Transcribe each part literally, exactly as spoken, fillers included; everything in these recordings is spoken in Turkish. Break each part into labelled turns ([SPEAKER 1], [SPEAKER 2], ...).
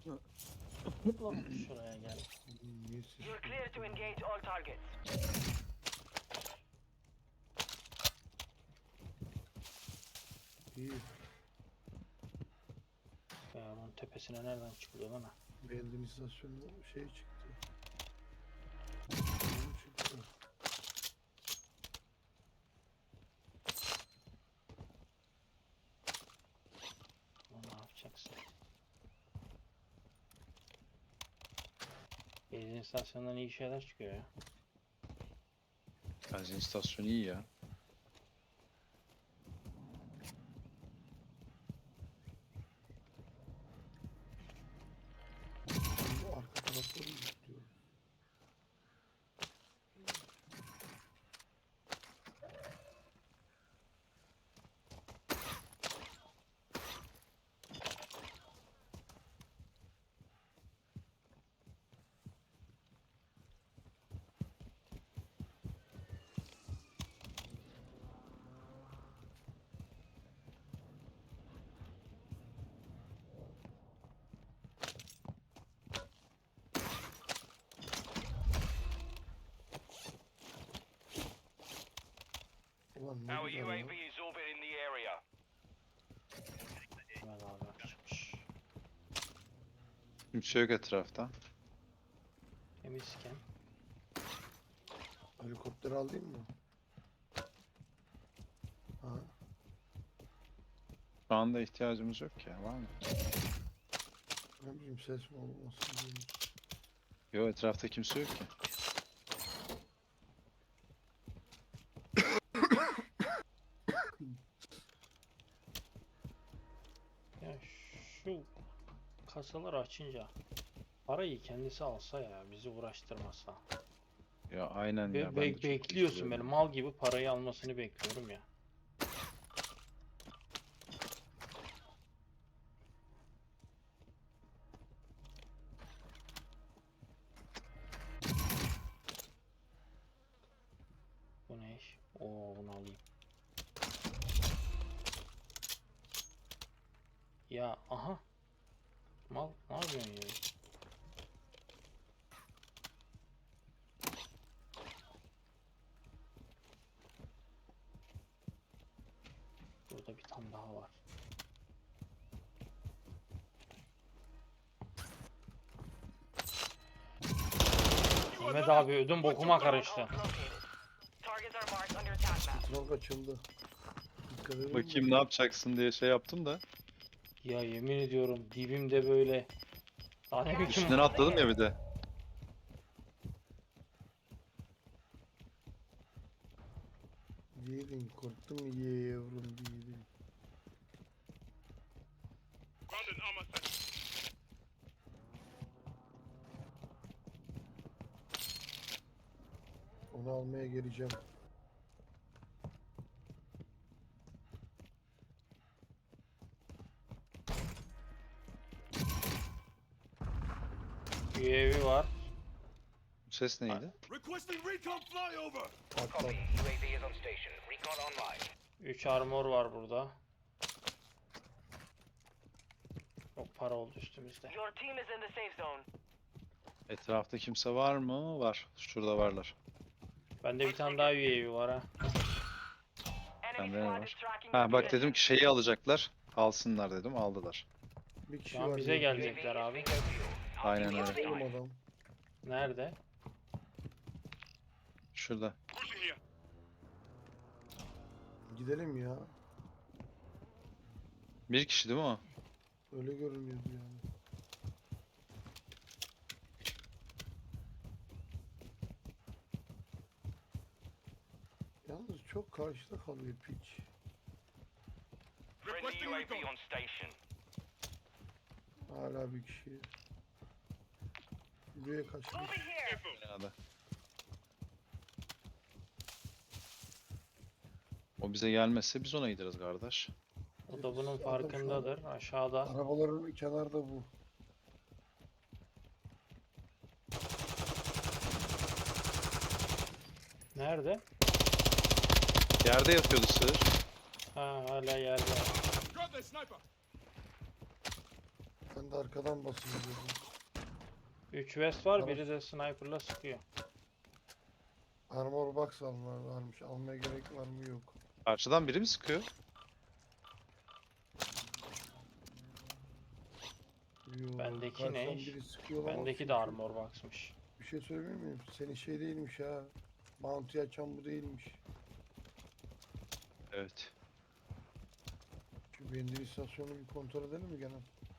[SPEAKER 1] Şuraya gel.
[SPEAKER 2] Niye siz-
[SPEAKER 3] You're clear to engage all targets.
[SPEAKER 2] İyi.
[SPEAKER 1] Ya bunun tepesine nereden çıkılıyor lan?
[SPEAKER 2] Benzin istasyonunda şey çıktı. Ne çıktı?
[SPEAKER 1] Bunu ne yapacaksın? Benzin istasyonundan iyi şeyler çıkıyor ya.
[SPEAKER 4] Benzin istasyonu iyi ya.
[SPEAKER 2] Ben bu arka tarafları istiyorum. Ulan ne
[SPEAKER 3] Our
[SPEAKER 2] güzel
[SPEAKER 3] U A
[SPEAKER 2] ya.
[SPEAKER 3] V is orbiting the area.
[SPEAKER 1] Hemen abi çıkmış.
[SPEAKER 4] Kimse yok etrafta.
[SPEAKER 1] Temizken.
[SPEAKER 2] Helikopter alayım mı? Ha.
[SPEAKER 4] Şu anda ihtiyacımız yok ya, var mı?
[SPEAKER 2] Ne bileyim ses mi olmasın diye.
[SPEAKER 4] Yok, etrafta kimse yok ki.
[SPEAKER 1] Ya şu kasaları açınca parayı kendisi alsa ya, bizi uğraştırmasa.
[SPEAKER 4] Ya aynen
[SPEAKER 1] Be
[SPEAKER 4] ya. ben
[SPEAKER 1] be-
[SPEAKER 4] de çok
[SPEAKER 1] bekliyorsun
[SPEAKER 4] üzülüyorum.
[SPEAKER 1] böyle mal gibi parayı almasını bekliyorum ya. Bu ne iş? Oo, bunu alayım. Ya aha. Mal ne yapıyorsun ya? Burada bir tane daha var. Mehmet abi ödüm bokuma karıştı.
[SPEAKER 3] Targets are marked under attack map.
[SPEAKER 2] Kontrol açıldı. Dikkat edin
[SPEAKER 4] Bakayım
[SPEAKER 2] mi?
[SPEAKER 4] ne yapacaksın diye şey yaptım da.
[SPEAKER 1] Ya yemin ediyorum dibimde böyle. Daha ne biçim
[SPEAKER 4] Üstünden atladım ya bir de.
[SPEAKER 2] Yiğidin korktum ye yavrum yiğidin. Onu almaya geleceğim.
[SPEAKER 1] U A V var.
[SPEAKER 4] Bu ses neydi?
[SPEAKER 5] Requesting recon flyover!
[SPEAKER 2] Atlat.
[SPEAKER 3] Copy. U A V is on station. Recon online.
[SPEAKER 1] üç armor var burada. Çok para oldu üstümüzde.
[SPEAKER 3] Your team is in the safe zone.
[SPEAKER 4] Etrafta kimse var mı? Var. Şurada varlar.
[SPEAKER 1] Bende bir tane daha U A V var ha.
[SPEAKER 3] Enemy
[SPEAKER 4] Bende ne
[SPEAKER 3] squad
[SPEAKER 4] var?
[SPEAKER 3] is tracking
[SPEAKER 4] Ha
[SPEAKER 3] your
[SPEAKER 4] bak
[SPEAKER 3] position.
[SPEAKER 4] dedim ki şeyi alacaklar. Alsınlar dedim. Aldılar.
[SPEAKER 2] Bir kişi
[SPEAKER 1] Şu an
[SPEAKER 2] var.
[SPEAKER 1] bize
[SPEAKER 2] ya.
[SPEAKER 1] gelecekler abi.
[SPEAKER 4] Aynen öyle.
[SPEAKER 2] Oğlum adam.
[SPEAKER 1] Nerede?
[SPEAKER 4] Şurada.
[SPEAKER 5] Pushing here.
[SPEAKER 2] Gidelim ya.
[SPEAKER 4] Bir kişi değil mi o?
[SPEAKER 2] Öyle görünüyordu yani. Yalnız çok karşıda kalıyor piç.
[SPEAKER 3] Friendly
[SPEAKER 5] Requesting
[SPEAKER 3] U A V
[SPEAKER 5] recon.
[SPEAKER 3] on station.
[SPEAKER 2] Hala bir kişi. Buraya kaçmış.
[SPEAKER 5] Info.
[SPEAKER 4] Binada. O bize gelmezse biz ona gideriz kardeş.
[SPEAKER 1] O da bunun
[SPEAKER 2] Adam şu an-
[SPEAKER 1] farkındadır. Aşağıda.
[SPEAKER 2] Arabaların kenarda bu.
[SPEAKER 1] Nerede?
[SPEAKER 4] Yerde yatıyordu sığır.
[SPEAKER 1] Ha, hala yerde.
[SPEAKER 5] Got the sniper!
[SPEAKER 2] Ben de arkadan basayım dedim.
[SPEAKER 1] üç West var,
[SPEAKER 2] Tamam.
[SPEAKER 1] biri de sniper'la sıkıyor.
[SPEAKER 2] Armor box almalar varmış. Almaya gerek var mı yok.
[SPEAKER 4] Karşıdan biri mi sıkıyor?
[SPEAKER 2] Yo,
[SPEAKER 1] Bendeki
[SPEAKER 2] karşıdan
[SPEAKER 1] ne?
[SPEAKER 2] biri sıkıyor ama
[SPEAKER 1] Bendeki
[SPEAKER 2] çünkü
[SPEAKER 1] de armor box'mış.
[SPEAKER 2] Bir şey söyleyeyim miyim? Senin şey değilmiş ha. Bounty açan bu değilmiş.
[SPEAKER 4] Evet.
[SPEAKER 2] Şu benzin istasyonunu bir kontrol edelim mi gene?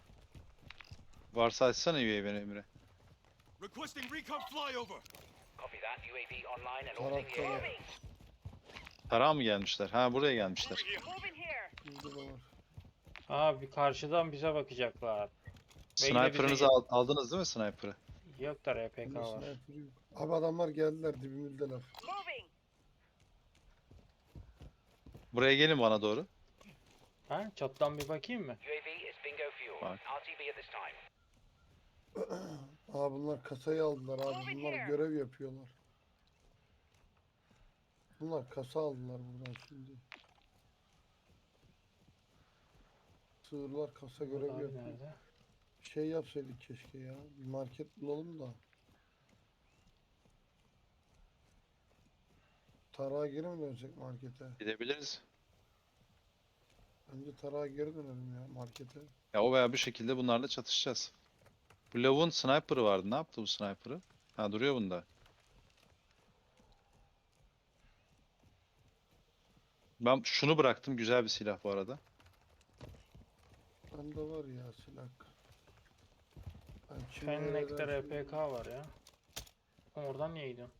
[SPEAKER 4] Varsa açsana U A V'ni Emre.
[SPEAKER 5] Requesting recon flyover.
[SPEAKER 3] Copy that. U A V online and orbiting the
[SPEAKER 2] Tarafta
[SPEAKER 3] area.
[SPEAKER 2] var.
[SPEAKER 4] Tarağa mı gelmişler? Ha buraya gelmişler.
[SPEAKER 5] Moving here.
[SPEAKER 2] Burada da var.
[SPEAKER 1] Ha, bir karşıdan bize bakacaklar. Belki de bize
[SPEAKER 4] Sniper'ınızı
[SPEAKER 1] gel-
[SPEAKER 4] al- aldınız değil mi sniper'ı?
[SPEAKER 1] Yok da R P K
[SPEAKER 2] Bende
[SPEAKER 1] var.
[SPEAKER 2] sniper yok. Abi adamlar geldiler dibimizdeler.
[SPEAKER 5] Moving.
[SPEAKER 4] Buraya gelin bana doğru.
[SPEAKER 1] Ha, çattan bir bakayım mı?
[SPEAKER 3] U A V is bingo fuel.
[SPEAKER 4] Bak.
[SPEAKER 3] R T B at this time.
[SPEAKER 2] Aa bunlar kasayı aldılar abi. Bunlar görev yapıyorlar. Bunlar kasa aldılar buradan şimdi. Sığırlar kasa görev
[SPEAKER 1] Abi
[SPEAKER 2] yapıyor.
[SPEAKER 1] nerede?
[SPEAKER 2] Şey yapsaydık keşke ya. Bir market bulalım da. Tarağa geri mi dönsek markete?
[SPEAKER 4] Gidebiliriz.
[SPEAKER 2] Bence tarağa geri dönelim ya markete.
[SPEAKER 4] Ya o veya bir şekilde bunlarla çatışacağız. Bu lavun sniper'ı vardı. Ne yaptı bu sniper'ı? Ha duruyor bunda. Ben şunu bıraktım. Güzel bir silah bu arada.
[SPEAKER 2] Bende var ya silah. Ben
[SPEAKER 1] Fennec'te
[SPEAKER 2] çimenlerden
[SPEAKER 1] R P K var ya. Oradan niye gidiyorsun?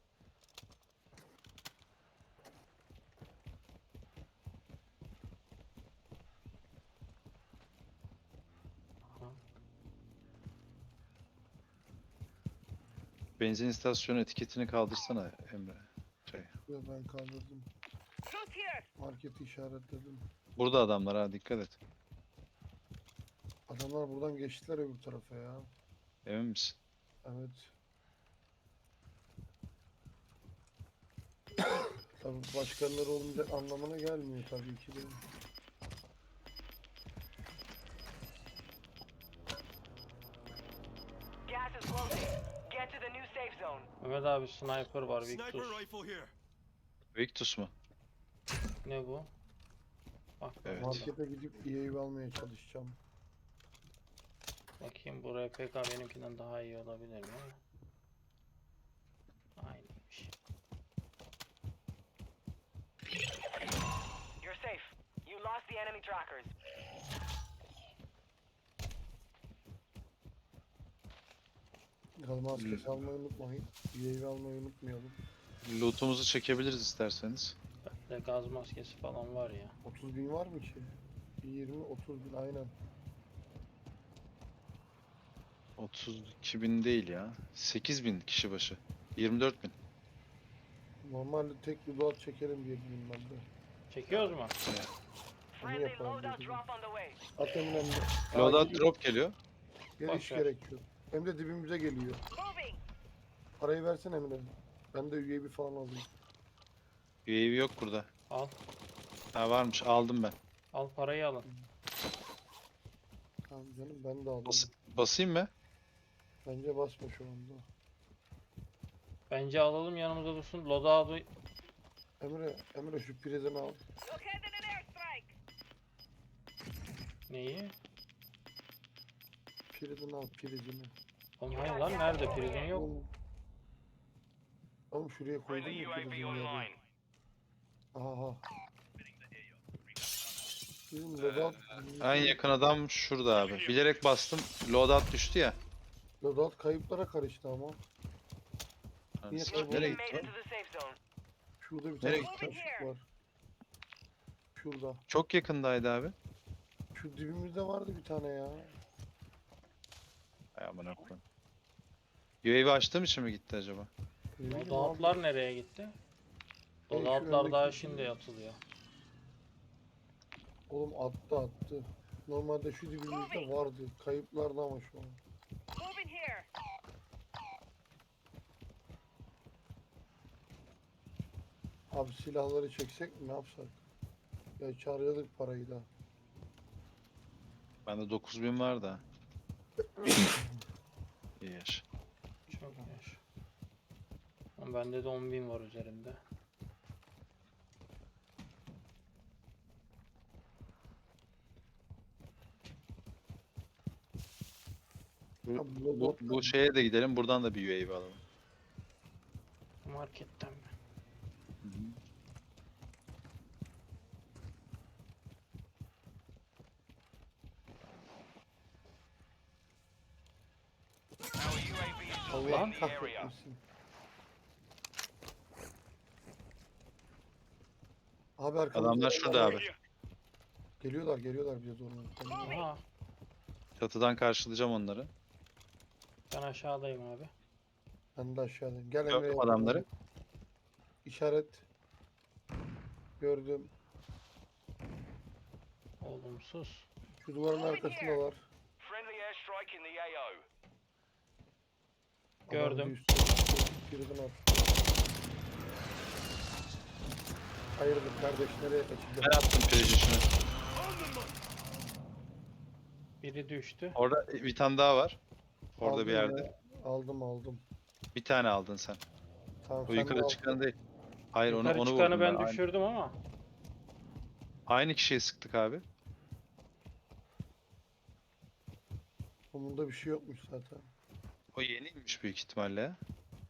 [SPEAKER 4] Benzin istasyonu etiketini kaldırsana Emre. Şey.
[SPEAKER 2] Yo, ben kaldırdım.
[SPEAKER 5] Look here.
[SPEAKER 2] Marketi işaretledim.
[SPEAKER 4] Burada adamlar ha dikkat et.
[SPEAKER 2] Adamlar buradan geçtiler öbür tarafa ya.
[SPEAKER 4] Emin misin?
[SPEAKER 2] Evet. Tabii başkanları olmayacak anlamına gelmiyor tabii ki de.
[SPEAKER 3] Gas is closing. Get to the new safe zone.
[SPEAKER 1] Mehmet abi sniper var,
[SPEAKER 5] Sniper
[SPEAKER 1] Victus.
[SPEAKER 5] rifle here.
[SPEAKER 4] Victus mu?
[SPEAKER 1] Ne bu? Bak
[SPEAKER 4] Evet.
[SPEAKER 1] burada.
[SPEAKER 2] Markete gidip E A almaya çalışacağım.
[SPEAKER 1] Bakayım, bu R P K benimkinden daha iyi olabilir mi? Aynıymış.
[SPEAKER 3] You're safe. You lost the enemy trackers.
[SPEAKER 2] Gaz maskesi almayı unutmayın. E A almayı unutmayalım.
[SPEAKER 4] Loot'umuzu çekebiliriz isterseniz.
[SPEAKER 1] Bende gaz maskesi falan var ya.
[SPEAKER 2] otuz bin var mı ki? yirmi otuz bin aynen.
[SPEAKER 4] otuz iki bin değil ya. sekiz bin kişi başı. yirmi dört bin.
[SPEAKER 2] Normalde tek bir load çekelim diye dedim ben de.
[SPEAKER 1] Çekiyoruz mu?
[SPEAKER 3] Friendly
[SPEAKER 2] yapalım
[SPEAKER 3] loadout
[SPEAKER 2] dedim.
[SPEAKER 3] drop on the way.
[SPEAKER 2] At Emre'm de.
[SPEAKER 4] Loadout drop geliyor.
[SPEAKER 2] Gel
[SPEAKER 1] Boş
[SPEAKER 2] hiç
[SPEAKER 1] ver.
[SPEAKER 2] gerek yok. Hem de dibimize geliyor.
[SPEAKER 5] Moving.
[SPEAKER 2] Parayı versene Emre. Ben de U A V falan alayım.
[SPEAKER 4] U A V yok burada.
[SPEAKER 1] Al.
[SPEAKER 4] Ha varmış aldım ben.
[SPEAKER 1] Al parayı alın.
[SPEAKER 2] Tamam canım ben de aldım.
[SPEAKER 4] Bas basayım mı?
[SPEAKER 2] Bence basma şu anda.
[SPEAKER 1] Bence alalım, yanımızda dursun. Loadout'u
[SPEAKER 2] Emre, Emre şu prizini al.
[SPEAKER 5] Look headed an airstrike.
[SPEAKER 1] neyi?
[SPEAKER 2] Prizini al prizini.
[SPEAKER 1] Oğlum hayır lan, nerede? Prizin yok.
[SPEAKER 2] Oğlum, oğlum şuraya koydum ya prizini yere. Aha. Bizim loadout,
[SPEAKER 4] En yakın adam şurada abi. Bilerek bastım. Loadout düştü ya.
[SPEAKER 2] loadout kayıplara karıştı ama.
[SPEAKER 4] Hani
[SPEAKER 2] Niye
[SPEAKER 4] sikeyim,
[SPEAKER 2] kayboldu?
[SPEAKER 4] nereye
[SPEAKER 3] Made
[SPEAKER 4] gitti?
[SPEAKER 3] it to the safe zone.
[SPEAKER 2] Şurada bir tane
[SPEAKER 4] Nereye
[SPEAKER 5] gitti?
[SPEAKER 2] taşık var. Şurada.
[SPEAKER 4] Çok yakındaydı abi.
[SPEAKER 2] Şu dibimizde vardı bir tane ya.
[SPEAKER 4] Ay aman koyayım. U A V açtığım için mi gitti acaba?
[SPEAKER 2] Ne bileyim abi.
[SPEAKER 1] Loadout'lar nereye gitti?
[SPEAKER 2] şu
[SPEAKER 1] Loadout'lar daha
[SPEAKER 2] öndeki-
[SPEAKER 1] şimdi atılıyor.
[SPEAKER 2] Oğlum attı attı. Normalde şu dibimizde vardı. Kayıplarda ama şu an.
[SPEAKER 5] Moving here.
[SPEAKER 2] Abi silahları çeksek mi ne yapsak? Ya çağırıyorduk parayı da.
[SPEAKER 4] Bende dokuz bin var da. İyi yaş.
[SPEAKER 1] Çok yaş. Ama bende de on bin var üzerinde.
[SPEAKER 4] Bu,
[SPEAKER 2] Abi
[SPEAKER 4] bu,
[SPEAKER 2] bot-
[SPEAKER 4] bu şeye de gidelim. Buradan da bir U A V alalım.
[SPEAKER 1] Marketten mi?
[SPEAKER 3] Our U A V is
[SPEAKER 2] Allah
[SPEAKER 3] surveying the area.
[SPEAKER 2] kahretmesin. Abi arkamızda
[SPEAKER 4] Adamlar şurada abi.
[SPEAKER 2] Geliyorlar geliyorlar bize doğru. Tamam.
[SPEAKER 1] Aha,
[SPEAKER 4] Çatıdan karşılayacağım onları.
[SPEAKER 1] ben aşağıdayım abi.
[SPEAKER 2] Ben de aşağıdayım. Gel Emre.
[SPEAKER 4] Gördüm
[SPEAKER 2] yakın
[SPEAKER 4] adamları.
[SPEAKER 2] ol. İşaret. Gördüm.
[SPEAKER 1] Olumsuz.
[SPEAKER 2] Şu duvarın arkasında var.
[SPEAKER 3] Friendly airstrike in the A O.
[SPEAKER 1] Gördüm.
[SPEAKER 2] Adam bir üstüne- Birden at. Hayırdır kardeş nereye
[SPEAKER 4] Ben
[SPEAKER 2] kaçacak?
[SPEAKER 4] attım precision'ı.
[SPEAKER 1] Biri düştü.
[SPEAKER 4] Orada bir tane daha var. Orada
[SPEAKER 2] Aldım
[SPEAKER 4] bir yerde.
[SPEAKER 2] ya. Aldım aldım.
[SPEAKER 4] Bir tane aldın sen.
[SPEAKER 2] Tamam
[SPEAKER 4] O
[SPEAKER 2] sen de
[SPEAKER 4] yukarı
[SPEAKER 2] al.
[SPEAKER 4] çıkan değil. Hayır onu
[SPEAKER 1] Yukarı
[SPEAKER 4] onu
[SPEAKER 1] çıkanı
[SPEAKER 4] vurdum
[SPEAKER 1] ben
[SPEAKER 4] ben. Aynı,
[SPEAKER 1] düşürdüm ama.
[SPEAKER 4] aynı kişiye sıktık abi.
[SPEAKER 2] Bunda bir şey yokmuş zaten.
[SPEAKER 4] O yeniymiş büyük ihtimalle ya.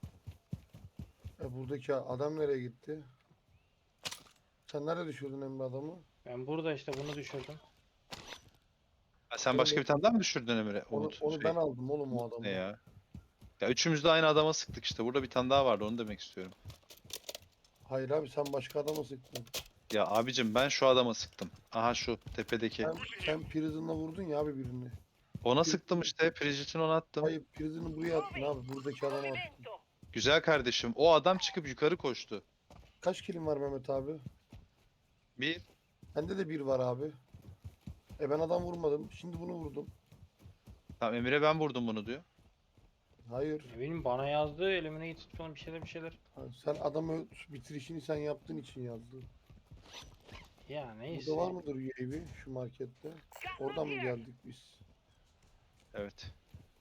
[SPEAKER 2] E buradaki adam nereye gitti? Sen nerede düşürdün Emre adamı?
[SPEAKER 1] Ben burada işte bunu düşürdüm.
[SPEAKER 4] Ha, sen başka bir tane daha mı düşürdün Emre?
[SPEAKER 2] Onu,
[SPEAKER 4] Umut.
[SPEAKER 2] onu
[SPEAKER 4] Şey,
[SPEAKER 2] ben aldım oğlum o adamı.
[SPEAKER 4] ne ya? Ya üçümüz de aynı adama sıktık işte. Burada bir tane daha vardı onu demek istiyorum.
[SPEAKER 2] Hayır abi sen başka adama sıktın.
[SPEAKER 4] Ya abicim ben şu adama sıktım. Aha şu tepedeki.
[SPEAKER 2] Sen, sen Prison'la vurdun ya abi birini.
[SPEAKER 4] Ona sıktım işte. Precision ona attım.
[SPEAKER 2] Hayır Prison'ı buraya attın abi. Buradaki adama attın.
[SPEAKER 5] Movimento.
[SPEAKER 4] Güzel kardeşim. O adam çıkıp yukarı koştu.
[SPEAKER 2] Kaç kilim var Mehmet abi?
[SPEAKER 4] Bir.
[SPEAKER 2] Bende de bir var abi. E ben adam vurmadım. Şimdi bunu vurdum.
[SPEAKER 4] Tamam Emre ben vurdum bunu diyor.
[SPEAKER 2] Hayır.
[SPEAKER 1] Ne bileyim bana yazdı elimine gitip falan bir şeyler bir şeyler.
[SPEAKER 2] Ha, Sen adamı bitirişini sen yaptığın için yazdın.
[SPEAKER 1] Ya neyse.
[SPEAKER 2] Burada var mıdır U A V şu markette? Oradan mı geldik biz?
[SPEAKER 4] Evet.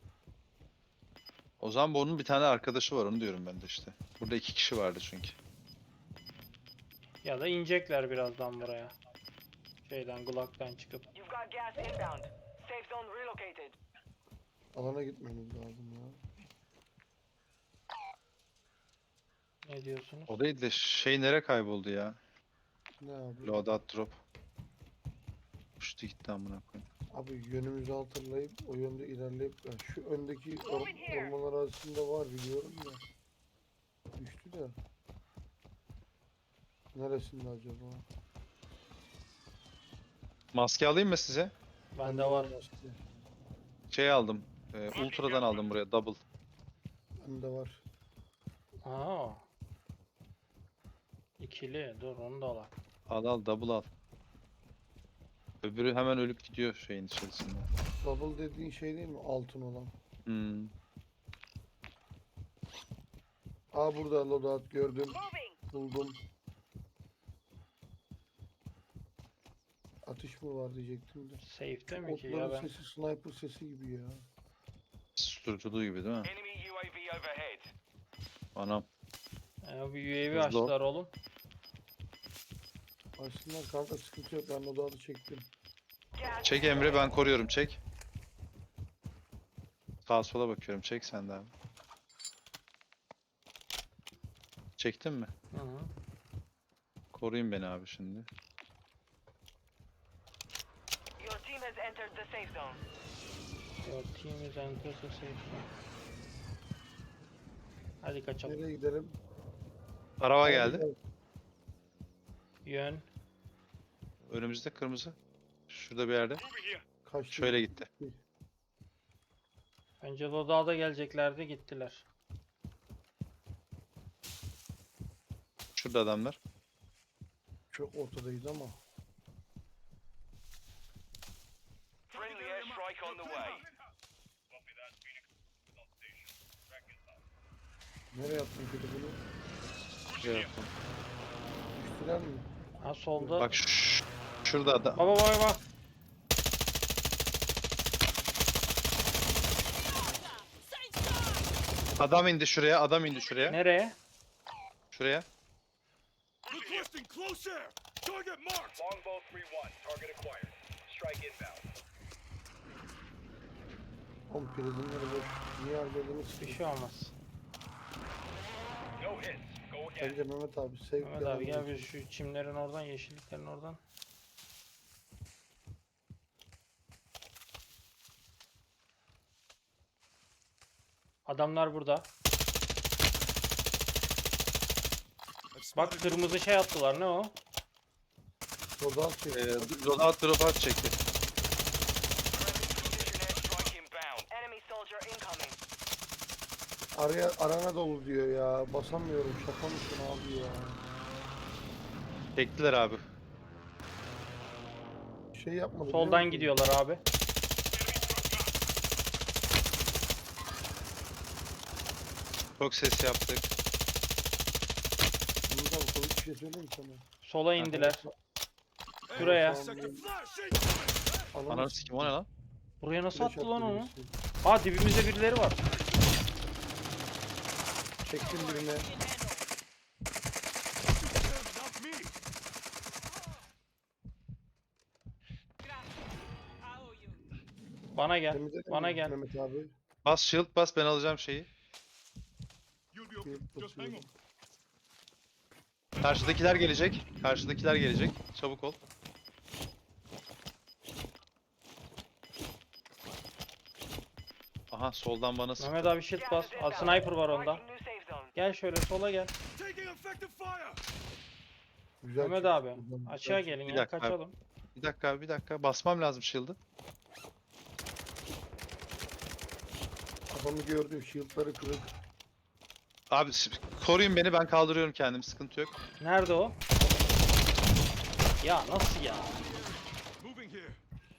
[SPEAKER 4] O zaman bu onun bir tane arkadaşı var onu diyorum ben de işte. Burada iki kişi vardı çünkü.
[SPEAKER 1] Ya da inecekler birazdan buraya. Şeyden Glock'tan çıkıp.
[SPEAKER 3] You've got gas inbound. Safe zone relocated.
[SPEAKER 2] Alana gitmemiz lazım ya.
[SPEAKER 1] Ne diyorsunuz?
[SPEAKER 4] O değil de şey nereye kayboldu ya?
[SPEAKER 2] Ne abi?
[SPEAKER 4] Loadout drop. Uçtu gitti amına koyayım.
[SPEAKER 2] Abi yönümüzü hatırlayıp o yönde ilerleyip ya şu öndeki or orman arasında var biliyorum da. Düştü de. Neresinde acaba?
[SPEAKER 4] Maske alayım mı size?
[SPEAKER 1] Bende var.
[SPEAKER 2] işte.
[SPEAKER 4] Şey aldım. E, Ultra'dan aldım buraya double.
[SPEAKER 2] Bende var.
[SPEAKER 1] Aa. İkili. Dur onu da al.
[SPEAKER 4] Al al double al. Öbürü hemen ölüp gidiyor şeyin içerisinde.
[SPEAKER 2] Double dediğin şey değil mi? Altın olan.
[SPEAKER 4] Hmm.
[SPEAKER 2] Aa burada loadout gördüm.
[SPEAKER 5] Moving.
[SPEAKER 2] Buldum. Atış mı var diyecektim de.
[SPEAKER 1] Safe'te mi ki ya
[SPEAKER 2] Otların
[SPEAKER 1] ben?
[SPEAKER 2] sesi sniper sesi gibi ya.
[SPEAKER 4] Susturuculuğu gibi değil mi?
[SPEAKER 3] Enemy U A V overhead.
[SPEAKER 4] Anam.
[SPEAKER 1] Ya bir U A V
[SPEAKER 4] Hızlı ol.
[SPEAKER 1] açtılar oğlum.
[SPEAKER 2] Aslında kanka sıkıntı yok. Ben loadout'u çektim.
[SPEAKER 3] Gas
[SPEAKER 4] Çek Emre ben koruyorum çek. Sağa sola bakıyorum çek sen de abi. Çektin mi?
[SPEAKER 1] Hı hı.
[SPEAKER 4] Koruyun beni abi şimdi.
[SPEAKER 3] Your team has entered the safe zone.
[SPEAKER 1] Your team is enter the safe zone. Hadi kaçalım.
[SPEAKER 2] Nereye gidelim?
[SPEAKER 4] Araba geldi.
[SPEAKER 1] Yön.
[SPEAKER 4] Önümüzde kırmızı. Şurada bir yerde.
[SPEAKER 2] Kaçtı.
[SPEAKER 4] Şöyle gitti.
[SPEAKER 1] Bence Lodağ'da geleceklerdi gittiler.
[SPEAKER 4] Şurada adamlar.
[SPEAKER 2] Çok ortadayız ama.
[SPEAKER 3] Friendly airstrike on the way.
[SPEAKER 2] Nereye attın kötü bunu?
[SPEAKER 4] Şuraya yaptım.
[SPEAKER 2] Düştüler mi?
[SPEAKER 1] Ha solda.
[SPEAKER 4] Bak ş- şurada adam.
[SPEAKER 1] Baba baba bak.
[SPEAKER 4] Adam indi şuraya, adam indi şuraya.
[SPEAKER 1] Nereye?
[SPEAKER 4] Şuraya.
[SPEAKER 6] Requesting close air. Target marked.
[SPEAKER 3] Longbow three one. Target acquired. Strike inbound.
[SPEAKER 2] Oğlum prizmleri boş. Niye harcadınız
[SPEAKER 1] Bir
[SPEAKER 2] ki?
[SPEAKER 1] şey olmaz.
[SPEAKER 3] No hits. Go again.
[SPEAKER 2] Bence Mehmet abi sevk
[SPEAKER 1] Mehmet abi gel bir şu çimlerin oradan, yeşilliklerin oradan. Adamlar burada. Bak kırmızı şey attılar, ne o?
[SPEAKER 2] Rodal çek.
[SPEAKER 4] Ee, loadout drop out çekti.
[SPEAKER 3] Precision airstrike inbound. Enemy soldier incoming.
[SPEAKER 2] Araya arana dolu diyor ya. Basamıyorum. Şaka mısın abi ya?
[SPEAKER 4] Çektiler abi.
[SPEAKER 2] Şey yapmadı.
[SPEAKER 1] Soldan
[SPEAKER 2] biliyor musun?
[SPEAKER 1] gidiyorlar abi.
[SPEAKER 4] Çok ses yaptık.
[SPEAKER 2] Mehmet abi komik bir şey söyleyeyim mi sana?
[SPEAKER 1] Sola indiler.
[SPEAKER 6] Hey,
[SPEAKER 1] Şuraya.
[SPEAKER 6] sector flash incoming.
[SPEAKER 2] Alanı
[SPEAKER 4] Ananı sikim o ne lan?
[SPEAKER 1] Buraya nasıl
[SPEAKER 2] flash
[SPEAKER 1] attı lan
[SPEAKER 2] attı
[SPEAKER 1] onu?
[SPEAKER 2] birisi.
[SPEAKER 1] Aa dibimizde birileri var.
[SPEAKER 2] Çektim birine.
[SPEAKER 6] Not me.
[SPEAKER 1] Bana gel.
[SPEAKER 2] Temizledin
[SPEAKER 1] Bana
[SPEAKER 2] mi
[SPEAKER 1] gel.
[SPEAKER 2] Mehmet abi.
[SPEAKER 4] Bas shield bas, ben alacağım şeyi.
[SPEAKER 6] You'll be okay.
[SPEAKER 2] Bir
[SPEAKER 6] Just hang on.
[SPEAKER 2] basıyorum.
[SPEAKER 4] Karşıdakiler gelecek. Karşıdakiler gelecek. Çabuk ol. Aha soldan bana sıktı.
[SPEAKER 1] Mehmet abi shield bas. Aa, sniper var onda.
[SPEAKER 3] Marking new safe zone.
[SPEAKER 1] Gel şöyle sola gel.
[SPEAKER 6] Taking effective fire.
[SPEAKER 2] Güzel
[SPEAKER 1] Mehmet
[SPEAKER 2] çıktı
[SPEAKER 1] abi
[SPEAKER 2] buradan, güzel
[SPEAKER 1] açığa
[SPEAKER 2] çıktı.
[SPEAKER 1] gelin
[SPEAKER 4] Bir
[SPEAKER 1] ya,
[SPEAKER 4] dakika abi.
[SPEAKER 1] kaçalım.
[SPEAKER 4] Bir dakika abi, bir dakika. Basmam lazım shield'ı.
[SPEAKER 2] Adamı gördüm. Shield'ları kırık.
[SPEAKER 4] Abi s- koruyun beni, ben kaldırıyorum kendimi, sıkıntı yok.
[SPEAKER 1] Nerede o? Ya nasıl ya?
[SPEAKER 6] Moving here.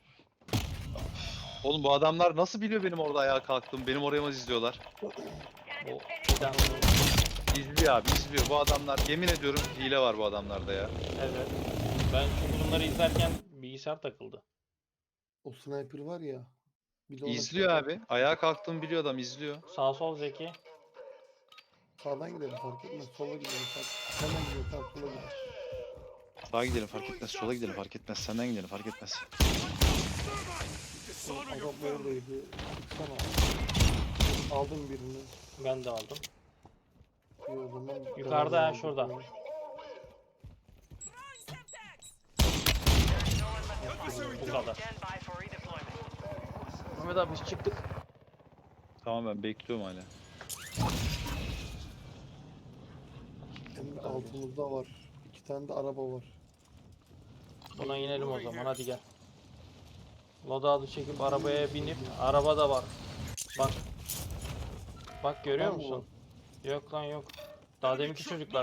[SPEAKER 4] Oğlum bu adamlar nasıl biliyor benim orada ayağa kalktığımı? Benim oraya mı izliyorlar?
[SPEAKER 1] O bir tane vurdu.
[SPEAKER 4] İzliyor abi, izliyor. Bu adamlar, yemin ediyorum hile var bu adamlarda ya.
[SPEAKER 1] Evet. Ben çünkü bunları izlerken bilgisayar takıldı.
[SPEAKER 2] O sniper var ya. Bir de ona
[SPEAKER 4] İzliyor
[SPEAKER 2] şey-
[SPEAKER 4] abi. Ayağa kalktığımı biliyor adam, izliyor.
[SPEAKER 1] Sağ sol Zeki.
[SPEAKER 2] Sağdan gidelim fark etmez. Sola gidelim fark. Hemen gidelim tamam sola gidelim.
[SPEAKER 4] Sağa gidelim fark etmez, sola gidelim fark etmez, senden gidelim fark etmez.
[SPEAKER 6] Dishonor
[SPEAKER 2] Adam
[SPEAKER 6] your family.
[SPEAKER 2] oradaydı. Çıksana. Aldım birini.
[SPEAKER 1] Ben de aldım.
[SPEAKER 2] İyi o zaman.
[SPEAKER 1] Yukarıda
[SPEAKER 2] devam
[SPEAKER 1] ha,
[SPEAKER 2] edelim.
[SPEAKER 1] şurada. Bu kadar.
[SPEAKER 3] Stand by for redeployment.
[SPEAKER 1] Mehmet abi biz çıktık.
[SPEAKER 4] Tamam, ben bekliyorum hala.
[SPEAKER 2] Hem de altımızda var. İki tane de araba var.
[SPEAKER 1] Buna inelim o zaman, hadi gel. Loadout'u çekip arabaya binip, araba da var. Bak. Bak görüyor
[SPEAKER 2] Adam mı
[SPEAKER 1] musun? Yok lan yok. Daha deminki çocuklar.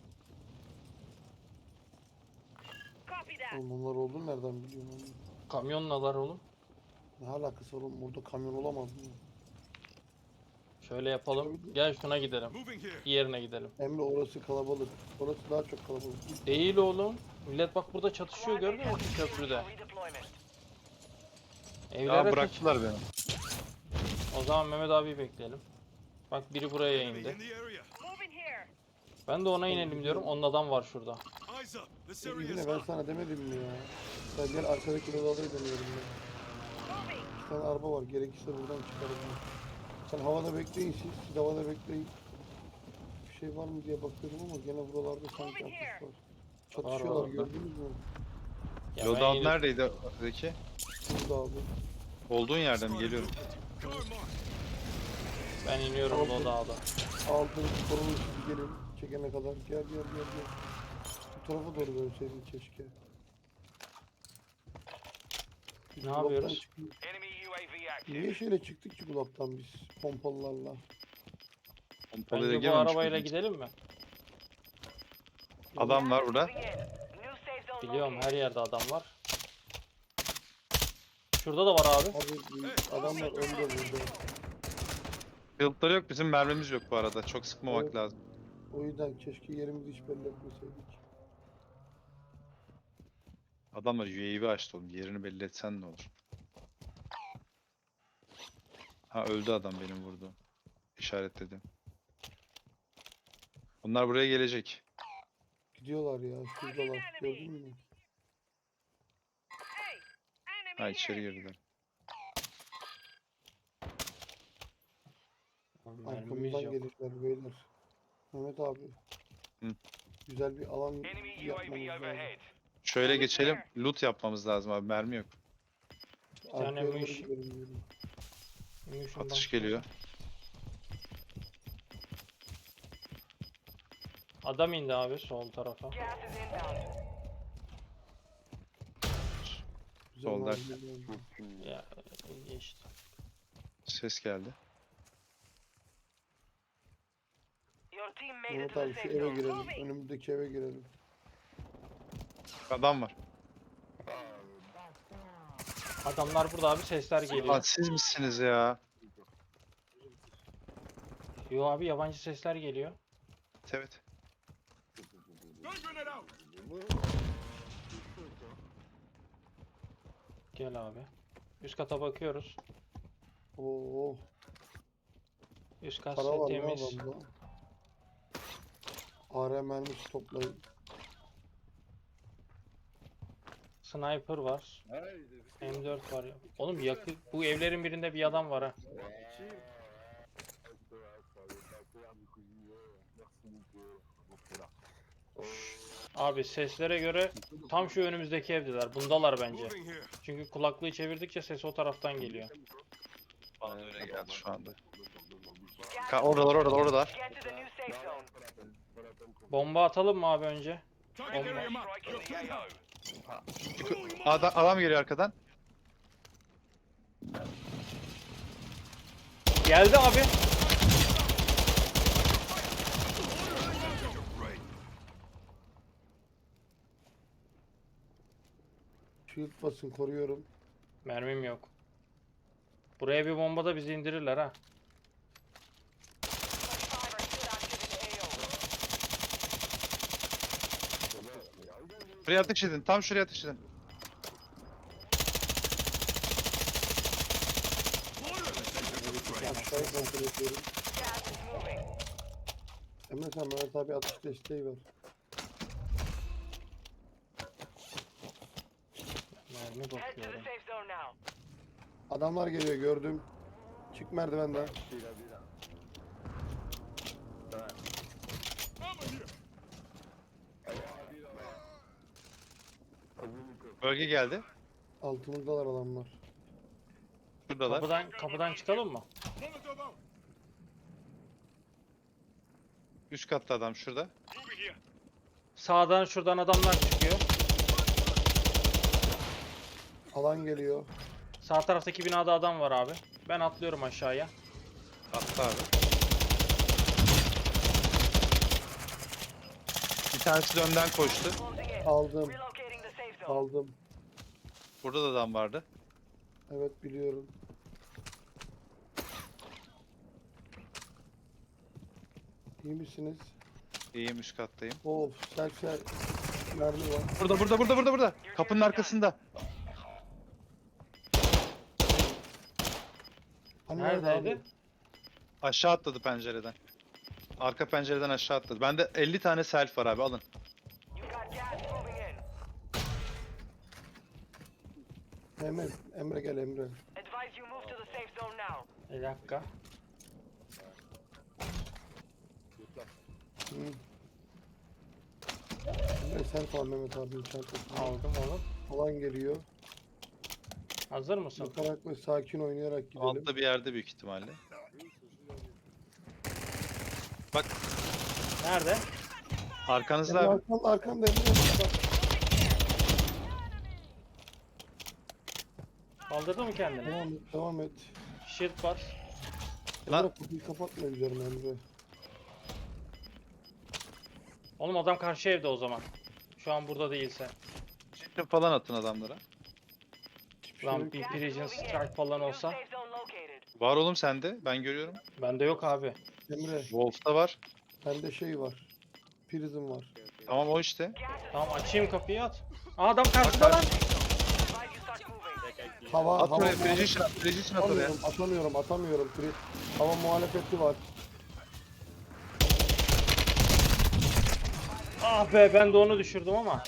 [SPEAKER 5] Copy that.
[SPEAKER 2] Oğlum bunlar oldu nereden biliyorum onu?
[SPEAKER 1] Kamyonlalar oğlum.
[SPEAKER 2] Ne alakası var oğlum? Burada kamyon olamaz mı?
[SPEAKER 1] Şöyle yapalım. Gel şuna gidelim.
[SPEAKER 6] Moving here.
[SPEAKER 1] Diğerine gidelim.
[SPEAKER 2] Emre orası kalabalık. Orası daha çok kalabalık.
[SPEAKER 1] Değil oğlum. Millet bak burada çatışıyor, gördün mü şu köprüde?
[SPEAKER 3] Redeployment.
[SPEAKER 1] Evlere
[SPEAKER 4] Ya
[SPEAKER 1] kaç-
[SPEAKER 4] bıraktılar beni.
[SPEAKER 1] O zaman Mehmet abi bekleyelim. Bak biri buraya
[SPEAKER 6] Enemy
[SPEAKER 1] indi.
[SPEAKER 6] in the area.
[SPEAKER 5] Moving here.
[SPEAKER 1] Ben de ona inelim diyorum. Onun adam var şurada.
[SPEAKER 6] Eyes up. This area is
[SPEAKER 2] Yine ben
[SPEAKER 6] hot.
[SPEAKER 2] sana demedim mi ya? Sen gel arkadaki odaları deniyorum ben.
[SPEAKER 5] Moving.
[SPEAKER 2] İki tane araba var. Gerekirse buradan çıkarım. Sen havada bekleyin siz. Siz havada bekleyin. Bir şey var mı diye bakıyorum ama gene buralarda sanki atış var. Çatışıyorlar
[SPEAKER 1] var.
[SPEAKER 2] gördünüz mü?
[SPEAKER 1] Ya ben
[SPEAKER 4] Loadout
[SPEAKER 1] inip-
[SPEAKER 4] neredeydi Zeki?
[SPEAKER 2] Burada abi.
[SPEAKER 4] Olduğun yerde mi? Geliyorum.
[SPEAKER 6] Car marked.
[SPEAKER 1] Ben iniyorum
[SPEAKER 2] Aldım.
[SPEAKER 1] loadout'a.
[SPEAKER 2] Aldım korunun sizi gelin. Çekene kadar. Gel gel gel gel. Bu tarafa doğru dönseydin keşke. Biz
[SPEAKER 1] Ne
[SPEAKER 2] dolaptan
[SPEAKER 1] yapıyoruz?
[SPEAKER 2] çıktık.
[SPEAKER 3] Enemy U A V active.
[SPEAKER 2] Niye şöyle çıktık ki dolaptan biz pompalılarla?
[SPEAKER 4] Pompalıya
[SPEAKER 1] Bence bu
[SPEAKER 4] girmemiş
[SPEAKER 1] arabayla
[SPEAKER 4] miydiniz?
[SPEAKER 1] gidelim mi?
[SPEAKER 4] Adam var burada.
[SPEAKER 3] Moving in. New safe zone
[SPEAKER 1] Biliyorum,
[SPEAKER 3] located.
[SPEAKER 1] her yerde adam var. Şurada da var abi.
[SPEAKER 2] Abi adamlar önde burada.
[SPEAKER 4] Shield'ları yok, bizim mermimiz yok bu arada. Çok sıkmamak
[SPEAKER 2] Evet.
[SPEAKER 4] lazım.
[SPEAKER 2] O yüzden keşke yerimizi hiç belli etmeseydik.
[SPEAKER 4] Adamlar U A V açtı oğlum. Yerini belli etsen ne olur? Ha öldü adam benim vurdu. işaretledim. Bunlar buraya gelecek.
[SPEAKER 2] Gidiyorlar ya. Şuradalar. Gördün mü?
[SPEAKER 5] Hey, enemy
[SPEAKER 4] Ha içeri
[SPEAKER 5] here.
[SPEAKER 4] girdiler.
[SPEAKER 1] Mermimiz
[SPEAKER 2] Arkamızdan
[SPEAKER 1] yok.
[SPEAKER 2] gelecekler beyler. Mehmet abi.
[SPEAKER 4] Hı.
[SPEAKER 2] Güzel bir alan
[SPEAKER 3] Enemy U A
[SPEAKER 2] yapmamız
[SPEAKER 3] V
[SPEAKER 2] lazım.
[SPEAKER 3] overhead.
[SPEAKER 4] Şöyle geçelim. Loot yapmamız lazım abi. Mermi yok.
[SPEAKER 1] tane
[SPEAKER 2] Arkaya doğru
[SPEAKER 1] mış-
[SPEAKER 2] gidelim diyorum.
[SPEAKER 1] Munition
[SPEAKER 4] Atış
[SPEAKER 1] box
[SPEAKER 4] geliyor.
[SPEAKER 1] Adam indi abi sol tarafa.
[SPEAKER 3] Gas is inbound.
[SPEAKER 2] Güzel
[SPEAKER 4] Solda.
[SPEAKER 2] malzemeler.
[SPEAKER 1] Ya geçti.
[SPEAKER 4] Ses geldi.
[SPEAKER 3] Your team made it
[SPEAKER 2] Mehmet
[SPEAKER 3] to the
[SPEAKER 2] abi şu
[SPEAKER 3] safe
[SPEAKER 2] eve
[SPEAKER 3] zone.
[SPEAKER 2] girelim. Önümüzdeki eve girelim.
[SPEAKER 4] Adam var.
[SPEAKER 1] Adamlar burada abi sesler
[SPEAKER 4] Aa,
[SPEAKER 1] geliyor.
[SPEAKER 4] siz misiniz ya?
[SPEAKER 1] Yo abi yabancı sesler geliyor.
[SPEAKER 4] Evet.
[SPEAKER 6] Gun grenade out.
[SPEAKER 1] Gel abi. Üst kata bakıyoruz.
[SPEAKER 2] Oo,
[SPEAKER 1] Üst kat
[SPEAKER 2] para var mı
[SPEAKER 1] temiz.
[SPEAKER 2] adamda? A R mermisi toplayın.
[SPEAKER 1] Sniper var. M dört var. Oğlum yakın bu evlerin birinde bir adam var ha. Abi seslere göre tam şu önümüzdeki evdeler. Bundalar bence.
[SPEAKER 6] Moving here.
[SPEAKER 1] Çünkü kulaklığı çevirdikçe ses o taraftan geliyor.
[SPEAKER 4] Bana öyle geldi şu anda.
[SPEAKER 3] Gas
[SPEAKER 4] Ka oradalar oradalar oradalar.
[SPEAKER 3] Get to the new safe zone.
[SPEAKER 1] Bomba atalım mı abi önce?
[SPEAKER 6] Target
[SPEAKER 1] Bomba.
[SPEAKER 6] area marked.
[SPEAKER 3] Strike in
[SPEAKER 6] Your
[SPEAKER 3] the A
[SPEAKER 6] threat.
[SPEAKER 3] O.
[SPEAKER 4] Adam, adam geliyor arkadan.
[SPEAKER 1] Geldi abi.
[SPEAKER 2] Shield basın koruyorum.
[SPEAKER 1] Mermim yok. Buraya bir bomba da bizi indirirler ha.
[SPEAKER 3] twenty-five are still active in the A O.
[SPEAKER 4] Şuraya ateş edin. Tam şuraya ateş edin.
[SPEAKER 2] Aşağıya kontrol ediyorum.
[SPEAKER 3] Gas is moving.
[SPEAKER 2] Emre sen Mehmet abi atış desteği ver.
[SPEAKER 1] Mermi
[SPEAKER 3] Head to the
[SPEAKER 1] bakıyorum.
[SPEAKER 3] safe zone now.
[SPEAKER 2] Adamlar geliyor gördüm. Çık merdivenden.
[SPEAKER 6] Armor here.
[SPEAKER 4] Bölge geldi.
[SPEAKER 2] Altımızdalar adamlar.
[SPEAKER 4] Şuradalar.
[SPEAKER 1] Kapıdan kapıdan çıkalım mı?
[SPEAKER 6] Molotov out.
[SPEAKER 4] Üst katta adam şurada.
[SPEAKER 6] Moving here.
[SPEAKER 1] Sağdan şuradan adamlar çıkıyor.
[SPEAKER 2] Alan geliyor.
[SPEAKER 1] Sağ taraftaki binada adam var abi. Ben atlıyorum aşağıya.
[SPEAKER 4] Attı abi. Bir tanesi de önden koştu.
[SPEAKER 3] Closing in.
[SPEAKER 2] Aldım.
[SPEAKER 3] Relocating the safe zone.
[SPEAKER 2] Aldım.
[SPEAKER 4] Burada da adam vardı.
[SPEAKER 2] Evet biliyorum. İyi misiniz?
[SPEAKER 4] İyiyim üst kattayım.
[SPEAKER 2] Of selfie mermi var.
[SPEAKER 4] Burada burada burada burada burada. Kapının arkasında.
[SPEAKER 2] Hani nerede
[SPEAKER 1] Neredeydi?
[SPEAKER 2] abi?
[SPEAKER 4] Aşağı atladı pencereden. Arka pencereden aşağı atladı. Bende elli tane self var abi alın.
[SPEAKER 3] You got gas moving in.
[SPEAKER 2] Emre, Emre gel Emre.
[SPEAKER 3] Advise you move to the safe zone now.
[SPEAKER 1] Bir dakika.
[SPEAKER 2] Hı. Emre sen kal Mehmet abinin çantasını.
[SPEAKER 1] Aldım onu.
[SPEAKER 2] Alan geliyor.
[SPEAKER 1] Hazır mısın?
[SPEAKER 2] Bakarak ve sakin oynayarak gidelim.
[SPEAKER 4] Altta bir yerde büyük ihtimalle. Bak
[SPEAKER 1] Nerede?
[SPEAKER 4] arkanızda
[SPEAKER 2] Emre
[SPEAKER 4] abi.
[SPEAKER 2] arkamda arkamda Emre. Bak,
[SPEAKER 1] Kaldırdı mı kendini?
[SPEAKER 2] devam et devam et.
[SPEAKER 1] Shield var.
[SPEAKER 4] Lan-
[SPEAKER 2] Emre kapıyı kapatma üzerine Emre.
[SPEAKER 1] Oğlum adam karşı evde o zaman. Şu an burada değilse.
[SPEAKER 4] Çiftli falan atın adamlara.
[SPEAKER 2] Hiçbir şey
[SPEAKER 1] Lan
[SPEAKER 2] yok.
[SPEAKER 1] bir
[SPEAKER 3] Gas is
[SPEAKER 1] Precision
[SPEAKER 3] moving in.
[SPEAKER 1] Strike falan
[SPEAKER 3] New
[SPEAKER 1] olsa.
[SPEAKER 3] safe zone located.
[SPEAKER 4] Var oğlum sende. Ben görüyorum.
[SPEAKER 1] Bende yok abi.
[SPEAKER 2] Emre
[SPEAKER 4] Wolf'ta var.
[SPEAKER 2] bende şey var. Prism var.
[SPEAKER 4] Tamam o işte.
[SPEAKER 3] Gas is
[SPEAKER 1] Tamam
[SPEAKER 3] moving
[SPEAKER 1] açayım
[SPEAKER 3] in.
[SPEAKER 1] kapıyı at. Aa, adam karşıda lan.
[SPEAKER 3] Advise you start moving.
[SPEAKER 2] Hava,
[SPEAKER 4] At
[SPEAKER 2] hava
[SPEAKER 4] oraya,
[SPEAKER 2] muhalefeti
[SPEAKER 4] precision at, precision at oraya.
[SPEAKER 2] atamıyorum, atamıyorum, atamıyorum. Pri- Hava muhalefeti var.
[SPEAKER 1] Ah be ben de onu düşürdüm ama.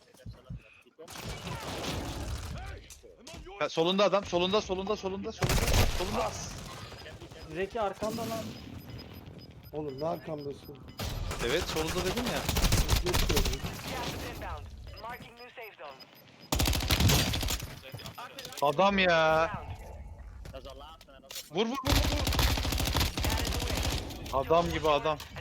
[SPEAKER 4] Ha, solunda adam, solunda, solunda, solunda, solunda, solunda.
[SPEAKER 1] Zeki arkanda lan.
[SPEAKER 2] Oğlum ne arkamdasın?
[SPEAKER 4] Evet, solunda dedim ya.
[SPEAKER 2] Ne söylüyorsun?
[SPEAKER 3] Gas is inbound. Marking new safe zone.
[SPEAKER 4] Adam ya.
[SPEAKER 3] Found.
[SPEAKER 4] Vur vur vur vur. Adam gibi adam.